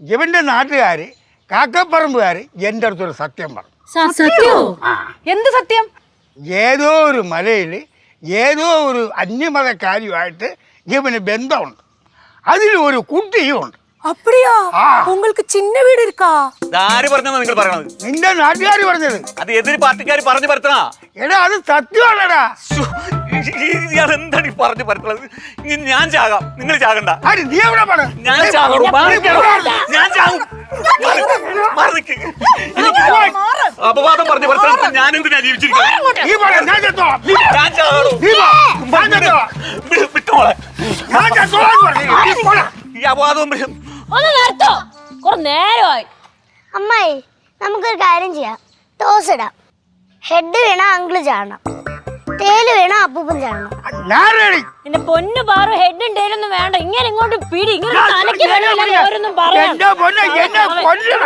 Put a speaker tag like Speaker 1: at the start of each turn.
Speaker 1: ഇവന്റെ നാട്ടുകാര് കാക്കപ്പറമ്പുകാര് എൻ്റെ അടുത്തൊരു സത്യം പറഞ്ഞു.
Speaker 2: സത്യോ? എന്ത് സത്യം?
Speaker 1: ഏതോ ഒരു മലയിൽ ഏതോ ഒരു അന്യമതക്കാരിയുമായിട്ട് ഇവന് ബന്ധമുണ്ട്. അതിൽ ഒരു കുട്ടിയും ഉണ്ട്.
Speaker 3: அப்படியா? உங்களுக்கு சின்ன வீடு இருக்கா?
Speaker 4: ആര് പറഞ്ഞാ നിങ്ങൾ പറയണത്?
Speaker 1: നിന്റെ നാട്ടുകാർ പറഞ്ഞത്.
Speaker 4: അത് എതിര് പാർട്ടിക്കാർ പറഞ്ഞു പരത്തണ.
Speaker 1: എടാ അത് സത്യമാണടാ.
Speaker 4: എന്താണ് ഈ പറഞ്ഞു പരത്തണത്? ഞാൻ ചാകാം, നിങ്ങൾ ചാകണ്ട.
Speaker 1: നീ എവിടെ പോണ?
Speaker 4: ഞാൻ ചാകും. ഞാൻ ചാകും. അപവാദം പറഞ്ഞു പരത്തണ. ഞാൻ എന്തിനാ ജീവിച്ചിരിക്കുന്നത്? വിട്ടോളെ. ഈ അപവാദവും
Speaker 2: ഒന്ന് നിർത്തോ, കുറെ നേരമായി.
Speaker 5: അമ്മായി, നമുക്കൊരു കാര്യം ചെയ്യാം. ടോസ് ഇടാം. ഹെഡ് വീണ അങ്കിള് ചാടണം, ടേല് വീണ അപ്പൂപ്പൻ ചാടണം.
Speaker 2: എന്റെ പൊന്നു പാറു, ഹെഡും ടേലൊന്നും വേണ്ട. ഇങ്ങനെ ഇങ്ങോട്ട് പിടി, ഇങ്ങനെ തലയ്ക്ക് വേണമെങ്കിൽ ഓരോന്നും പറയാം.